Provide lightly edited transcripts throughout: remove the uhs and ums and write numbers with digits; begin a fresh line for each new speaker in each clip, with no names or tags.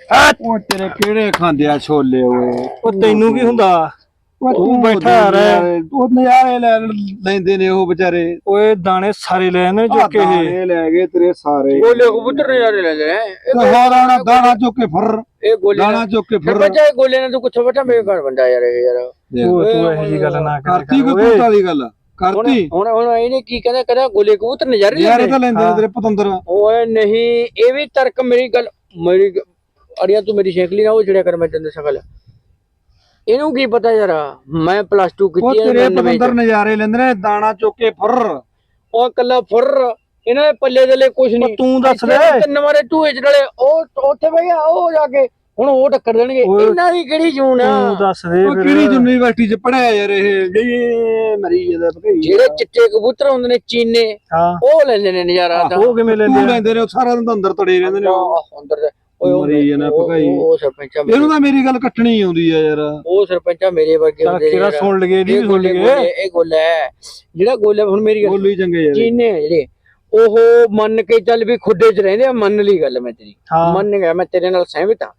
ਉਹ ਤੇਰੇ ਕਿਹੜੇ ਖਾਂਦੇ ਆ ਛੋਲੇ ਓਏ।
ਉਹ ਤੈਨੂੰ ਕੀ ਹੁੰਦਾ? ਤੂੰ ਬੈਠਾ ਰਹਿ।
ਉਹ ਨਜ਼ਾਰੇ ਲੈਂਦੇ ਨੇ ਉਹ ਵਿਚਾਰੇ।
ਓਏ ਦਾਣੇ ਸਾਰੇ ਲੈ ਨੇ ਚੁੱਕ ਕੇ
ਇਹ ਲੈ ਗਏ ਤੇਰੇ ਸਾਰੇ।
ਗੋਲੇ ਕਬੂਤਰ ਨਜ਼ਾਰੇ ਲੈਂਦੇ ਨੇ।
ਹੋਰਾਂ ਦਾਣਾ ਚੁੱਕ ਕੇ ਫਿਰ
ਇਹ ਗੋਲੇ
ਦਾਣਾ ਚੁੱਕ ਕੇ ਫਿਰ
ਬੱਚਾ ਗੋਲੇ ਨਾਲ ਤੂੰ ਕਿੱਥੋਂ ਬੈਠਾ ਬੇਕਾਰ ਬੰਦਾ ਯਾਰ ਇਹ ਯਾਰ।
ਤੂੰ ਇਹੋ ਜੀ ਗੱਲ ਨਾ ਕਰ।
ਕਰਤੀ ਕੋਈ ਪੁੱਤਾਂ ਦੀ ਗੱਲ ਕਰਤੀ।
ਹੁਣ ਇਹਨੇ ਕੀ ਕਹਿੰਦਾ ਗੋਲੇ ਕਬੂਤਰ ਨਜ਼ਾਰੇ
ਯਾਰ ਤਾਂ ਲੈਂਦੇ ਨੇ ਤੇਰੇ ਪਤੰਦਰ।
ਓਏ ਨਹੀਂ ਇਹ ਵੀ ਤਰਕ ਮੇਰੀ ਗੱਲ ਅੜਿਆ ਤੂੰ ਮੇਰੀ ਸ਼ੇਖਲੀ ਨਾ ਉਹ ਛੜਿਆ ਕਰ ਮੈਂ ਤੈਨੂੰ ਸ਼ਕਲ ਇਹਨੂੰ ਕੀ ਪਤਾ ਯਾਰ ਮੈਂ ਪਲੱਸ 2 ਕੀਤੀ
ਹੈ। ਤੇਰੇ ਪਤੰਦਰ ਨਜ਼ਾਰੇ ਲੈਂਦੇ ਨੇ ਦਾਣਾ ਚੁੱਕ ਕੇ ਫਿਰ।
ਉਹ ਕੱਲਾ ਫੁਰ ਇਹਨਾਂ ਦੇ ਪੱਲੇ ਦੇ ਲਈ ਕੁਝ ਨਹੀਂ।
ਤੂੰ ਦੱਸ ਦੇ
ਤਿੰਨ ਵਾਰੇ ਟੂਏ ਚ ਡਲੇ ਉਹ ਉੱਥੇ ਬਈ ਉਹ ਜਾ ਕੇ ਹੁਣ ਉਹ ਟੱਕਰ ਦੇਣਗੇ। ਇਹਨਾਂ ਦੀ ਕਿਹੜੀ ਜੂਨ ਆ?
ਤੂੰ ਦੱਸ ਦੇ
ਕਿਹੜੀ ਯੂਨੀਵਰਸਿਟੀ ਚ ਪੜਿਆ ਯਾਰ ਇਹ ਮਰੀ ਜਾਂਦਾ ਭਈ।
ਜਿਹੜੇ ਚਿੱਟੇ ਕਬੂਤਰ ਹੁੰਦੇ ਨੇ ਚੀਨੇ ਉਹ ਲੈਂਦੇ ਨੇ ਨਜ਼ਾਰਾ।
ਉਹ ਕਿਵੇਂ ਲੈਂਦੇ
ਨੇ? ਸਾਰਾ ਦਿਨ ਅੰਦਰ ਤੜੇ ਰਹਿੰਦੇ ਨੇ
ਅੰਦਰ
ਮਰੀ ਜਾਂਦਾ ਭਗਾਈ।
ਉਹ ਸਰਪੰਚਾ
ਇਹਨੂੰ ਤਾਂ ਮੇਰੀ ਗੱਲ ਕੱਟਣੀ ਆਉਂਦੀ ਆ ਯਾਰ।
ਉਹ ਸਰਪੰਚਾ ਮੇਰੇ ਵਰਗੇ ਹੁੰਦੇ ਨੇ।
ਕਿਹੜਾ ਸੁਣ ਲਗੇ ਇਹਦੀ ਵੀ ਸੁਣ ਲਗੇ।
ਇਹ ਗੋਲਾ ਹੈ ਜਿਹੜਾ ਗੋਲਾ ਹੁਣ ਮੇਰੀ
ਗੋਲੂ ਹੀ ਚੰਗੇ ਯਾਰ
ਚੀਨੇ ਜਿਹੜੇ ਉਹ ਮੰਨ ਕੇ ਚੱਲ ਵੀ ਖੁੱਡੇ ਚ ਰਹਿੰਦੇ ਆ। ਮੰਨ ਲਈ ਗੱਲ ਮੈਂ ਤੇਰੀ ਮੰਨ ਗਿਆ ਮੈਂ ਤੇਰੇ ਨਾਲ ਸਹਿਮਤ ਹਾਂ।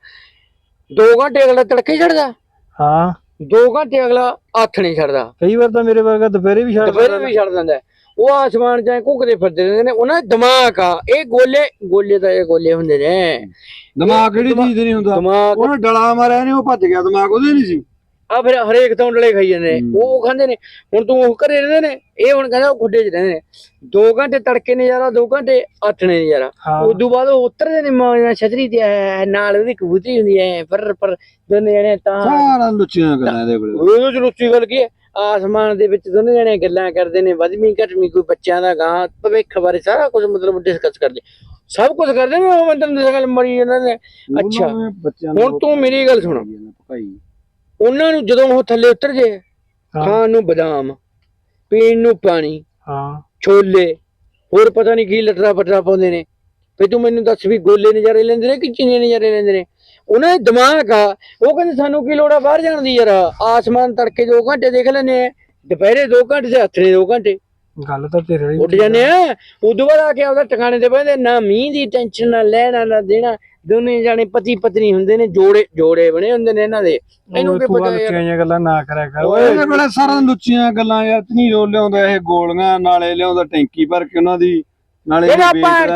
2 ਘੰਟੇ ਅਗਲਾ ਤੜਕੇ ਛੱਡਦਾ।
ਹਾਂ
2 ਘੰਟੇ ਅਗਲਾ ਹੱਥ ਨਹੀਂ ਛੱਡਦਾ।
ਕਈ ਵਾਰ ਤਾਂ ਮੇਰੇ ਵਰਗਾ ਦੁਪਹਿਰੇ ਵੀ
ਛੱਡ ਦਿੰਦਾ। ਉਹ ਆਸਮਾਨ ਚ ਘੁੱਕਦੇ ਫਿਰਦੇ ਰਹਿੰਦੇ ਨੇ। ਉਹਨਾਂ ਦਾ ਦਿਮਾਗ ਆ। ਇਹ ਗੋਲੇ ਤਾਂ ਇਹ ਗੋਲੇ ਹੁੰਦੇ ਨੇ।
ਦਿਮਾਗ ਕਿਹੜੀ ਚੀਜ਼ ਨਹੀਂ ਹੁੰਦਾ। ਉਹਨੇ ਡਲਾ ਮਾਰਿਆ ਨੇ ਉਹ ਭੱਜ ਗਿਆ। ਦਿਮਾਗ ਉਹਦੇ ਨਹੀਂ ਸੀ।
ਆ ਫਿਰ ਹਰੇਕ ਤੋਂ ਡਲੇ ਖਾਈ ਜਾਂਦੇ ਨੇ। ਉਹ ਖਾਂਦੇ ਨੇ। ਹੁਣ ਤੂੰ ਉਹ ਘਰੇ ਰਹਿੰਦੇ ਨੇ। ਇਹ ਹੁਣ ਕਹਿੰਦਾ ਉਹ ਖੁੱਡੇ ਚ ਰਹਿੰਦੇ ਨੇ। 2 ਘੰਟੇ ਤੜਕੇ ਨਜ਼ਾਰਾ 2 ਘੰਟੇ ਆਥਣੇ ਨਜ਼ਾਰਾ। ਉਦੋਂ ਬਾਅਦ ਉਹ ਉਤਰਦੇ ਨੇ ਛਤਰੀ ਤੇ ਨਾਲ ਉਹਦੀ ਕਬੂਤਰੀ ਹੁੰਦੀ ਹੈ ਪਰ ਦੋਨੇ ਜਣੇ ਤਾਂ
ਸਾਰਾ ਲੁੱਚੀਆਂ ਗੱਲਾਂ ਇਹਦੇ ਕੋਲ।
ਉਹ ਚ ਲੁੱਚੀ ਗੱਲ ਕੀ ਹੈ? ਆਸਮਾਨ ਦੇ ਵਿੱਚ ਦੋਨੇ ਜਣੇ ਗੱਲਾਂ ਕਰਦੇ ਨੇ। ਵਧਵੀਂ ਘਟਵੀਂ ਕੋਈ ਬੱਚਿਆਂ ਦਾ ਗਾਂ ਭਵਿੱਖ ਬਾਰੇ ਸਾਰਾ ਕੁਝ ਮਤਲਬ ਡਿਸਕਸ ਕਰਦੇ। ਸਭ ਕੁਝ ਕਰਦੇ ਨੇ। ਉਹ ਮੈਂ ਤੈਨੂੰ ਗੱਲ ਮਰੀ ਇਹਨਾਂ ਨੇ। ਅੱਛਾ ਹੁਣ ਤੂੰ ਮੇਰੀ ਗੱਲ ਸੁਣ। ਉਹਨਾਂ ਨੂੰ ਜਦੋਂ ਉਹ ਥੱਲੇ ਉਤਰ ਜੇ ਖਾਣ ਨੂੰ ਬਦਾਮ ਪੀਣ ਨੂੰ ਪਾਣੀ ਛੋਲੇ ਹੋਰ ਪਤਾ ਨਹੀਂ ਕੀ ਲਟਰਾ ਪਟਰਾ ਪਾਉਂਦੇ ਨੇ। ਫੇ ਤੂੰ ਮੈਨੂੰ ਦੱਸ ਵੀ ਗੋਲੇ ਨਜ਼ਾਰੇ ਲੈਂਦੇ ਨੇ ਕਿ ਚੀਨੇ ਨਜ਼ਾਰੇ ਲੈਂਦੇ ਨੇ? ਉਹਨਾਂ ਦਾ ਦਿਮਾਗ ਆ। ਉਹ ਕਹਿੰਦੇ ਸਾਨੂੰ ਕੀ ਲੋੜ ਆ ਬਾਹਰ ਜਾਣ ਦੀ ਯਾਰ। ਆਸਮਾਨ ਤੜਕੇ 2 ਘੰਟੇ ਦੇਖ ਲੈਂਦੇ ਆ। ਦੁਪਹਿਰੇ 2 ਘੰਟੇ ਤੇ ਹੱਥ ਨੇ 2 ਘੰਟੇ
ਗੱਲ ਤਾਂ ਤੇਰੇ
ਉੱਡ ਜਾਂਦੇ ਆ। ਉਦੋਂ ਬਾਅਦ ਆ ਕੇ ਆਪਦਾ ਟਿਕਾਣੇ ਤੇ ਬਹਿੰਦੇ। ਨਾ ਮੀਂਹ ਦੀ ਟੈਨਸ਼ਨ ਨਾ ਲੈਣਾ ਨਾ ਦੇਣਾ। ਦੋਨੇ ਜਾਣੇ ਪਤੀ ਪਤਨੀ ਹੁੰਦੇ ਨੇ। ਜੋੜੇ ਬਣੇ ਹੁੰਦੇ ਨੇ ਇਹਨਾਂ ਦੇ। ਇਹਨੂੰ ਕੀ ਪਤਾ
ਯਾਰ ਗੱਲਾਂ ਨਾ ਕਰਿਆ ਕਰ।
ਇਹਦੇ ਵੇਲੇ ਸਾਰਾ ਲੁੱਚੀਆਂ ਗੱਲਾਂ ਯਾਰ। ਨਹੀਂ ਰੋ ਲਿਆਉਂਦਾ ਇਹ ਗੋਲੀਆਂ ਨਾਲੇ ਲਿਆਉਂਦਾ ਟੈਂਕੀ ਭਰ ਕੇ ਉਹਨਾਂ ਦੀ ਨਾਲੇ ਸਾਰਾ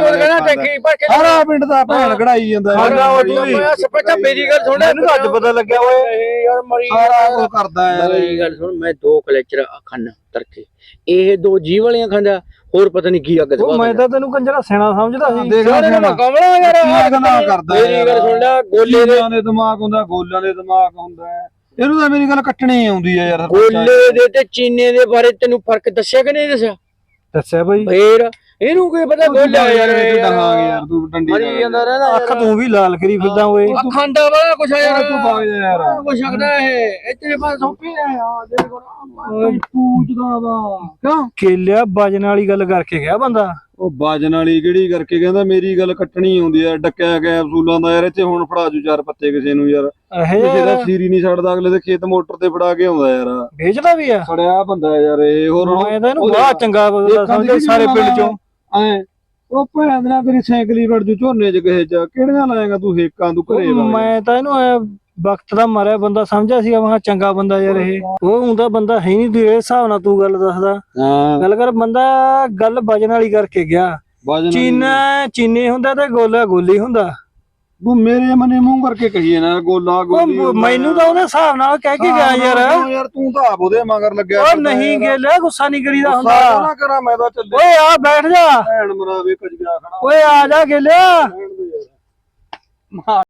ਪਿੰਡ ਦਾ ਭੈਣ ਕਢਾਈ ਜਾਂਦਾ।
ਮੇਰੀ ਗੱਲ ਸੁਣ
ਅੱਜ ਪਤਾ ਲੱਗਿਆ ਓਏ
ਯਾਰ ਮਰੀ
ਸਾਰਾ ਕਰਦਾ ਯਾਰ।
ਮੇਰੀ ਗੱਲ ਸੁਣ ਮੈਂ 2 ਕਲੇਚਰ ਖਾਨਾ ਤਰਕੇ ਇਹ 2 ਜੀਵ ਵਾਲੀਆਂ ਖਾਂਦਾ। ਹੋਰ ਪਤਾ ਨਹੀਂ ਕੀ ਅੱਗ ਦਵਾ।
ਮੈਂ ਤਾਂ ਤੈਨੂੰ ਕੰਜਰਾ ਸਿਆਣਾ ਸਮਝਦਾ ਸੀ।
ਕਮਲਾ ਯਾਰ
ਕਰਦਾ।
ਮੇਰੀ ਗੱਲ ਸੁਣ ਲੈ ਗੋਲੇ
ਦੇ ਦਿਮਾਗ ਹੁੰਦਾ ਗੋਲਿਆਂ ਦੇ ਦਿਮਾਗ ਹੁੰਦਾ। ਇਹਨੂੰ ਤਾਂ ਮੇਰੀ ਗੱਲ ਕੱਟਣੀ ਆਉਂਦੀ ਆ ਯਾਰ।
ਗੋਲੇ ਦੇ ਤੇ ਚੀਨੇ ਦੇ ਬਾਰੇ ਤੈਨੂੰ ਫਰਕ ਦੱਸਿਆ ਕਿ ਨਹੀਂ
ਦੱਸਿਆ ਬਈ?
ਫੇਰ ਇਹਨੂੰ ਕੀ ਪਤਾ ਗੋਲਾ ਯਾਰ।
ਯਾਰ ਤੂੰ ਡੰਡੀ
ਮਰੀ ਜਾਂਦਾ ਰਹਿੰਦਾ।
ਅੱਖ ਤੂੰ ਵੀ ਲਾਲ ਕਰੀ ਫਿਰਦਾ ਓਏ।
ਖਾਂਡਾ ਵਾਲਾ ਕੁਛ ਯਾਰ।
ਤੂੰ ਬਾਗ ਯਾਰ
ਕੁਛ ਸਕਦਾ ਇਹ ਤੇਰੇ ਪਾਸ ਸੌਂਪੀ ਆ ਯਾਰ। ਤੇਰੇ ਕੋਲ
ਪੂਜਦਾ ਵਾ ਕਿਉਂ?
ਕੇਲਿਆ ਵਜਨ ਵਾਲੀ ਗੱਲ ਕਰਕੇ ਗਿਆ ਬੰਦਾ।
ਉਹ ਬਾਜਣ ਵਾਲੀ ਕਿਹੜੀ ਕਰਕੇ ਕਹਿੰਦਾ ਮੇਰੀ ਗੱਲ ਕੱਟਣੀ ਆਉਂਦੀ ਆ। ਡੱਕਿਆ ਗਿਆ ਅਫਸੂਲਾਂ ਦਾ ਯਾਰ। ਇੱਥੇ ਹੁਣ ਫੜਾ ਜੂ 4 ਪੱਤੇ ਕਿਸੇ ਨੂੰ ਯਾਰ। ਜਿਹੜਾ ਸੀਰੀ ਨਹੀਂ ਛੱਡਦਾ ਅਗਲੇ ਦੇ ਖੇਤ ਮੋਟਰ ਤੇ ਫੜਾ ਕੇ ਆਉਂਦਾ ਯਾਰ।
ਵੇਚਦਾ ਵੀ ਆ।
ਫੜਿਆ ਬੰਦਾ ਯਾਰ ਇਹ। ਹੋਰ
ਮੈਂ ਤਾਂ ਇਹਨੂੰ ਬੜਾ ਚੰਗਾ ਸਮਝਦਾ ਸਾਰੇ ਪਿੰਡ ਚੋਂ।
ਐ ਉਹ ਭੈਣ ਨਾਲ ਤੇਰੀ ਸਾਈਕਲ ਹੀ ਵੜ ਜੂ ਝੋਨੇ ਚ ਕਿਸੇ ਚ। ਕਿਹੜੀਆਂ ਲਾਏਗਾ ਤੂੰ ਹੇਕਾਂ ਤੂੰ ਘਰੇ?
ਮੈਂ ਤਾਂ ਇਹਨੂੰ ਵਕਤ ਦਾ ਮਾਰਿਆ ਬੰਦਾ ਸਮਝਿਆ ਸੀਗਾ। ਮੈਂ ਚੰਗਾ ਬੰਦਾ ਯਾਰ ਇਹ। ਉਹ ਹੁੰਦਾ ਬੰਦਾ ਹੈ ਨਹੀਂ। ਤੂੰ ਇਹ ਹਿਸਾਬ ਨਾਲ ਤੂੰ ਗੱਲ ਦੱਸਦਾ। ਗੱਲ ਕਰ ਬੰਦਾ ਗੱਲ ਵਜਨ ਵਾਲੀ ਕਰਕੇ ਗਿਆ। ਚੀਨੇ ਹੁੰਦਾ ਤੇ ਗੋਲਾ ਗੋਲੀ ਹੁੰਦਾ।
ਤੂੰ ਮੇਰੇ ਮਨੇ ਮੂੰਹ ਕਰਕੇ ਕਹੀਏ ਨਾ ਗੋਲਾ ਗੋਲੀ।
ਮੈਨੂੰ ਤਾਂ ਉਹਦੇ ਹਿਸਾਬ ਨਾਲ ਕਹਿ ਕੇ ਗਿਆ ਯਾਰ।
ਯਾਰ ਤੂੰ ਤਾਂ ਆਪ ਉਹਦੇ ਮਗਰ ਲੱਗਿਆ।
ਉਹ ਨਹੀਂ ਗੇਲਿਆ ਗੁੱਸਾ ਨਹੀਂ ਕਰੀਦਾ ਹੁੰਦਾ।
ਨਾ ਕਰਾਂ ਮੈਂ ਤਾਂ ਚੱਲੇ।
ਓਏ ਆ ਬੈਠ ਜਾ।
ਭੈਣ ਮਰਾਵੇ ਕਜਿਆ ਖੜਾ।
ਓਏ ਆ ਜਾ ਗੇਲਿਆ।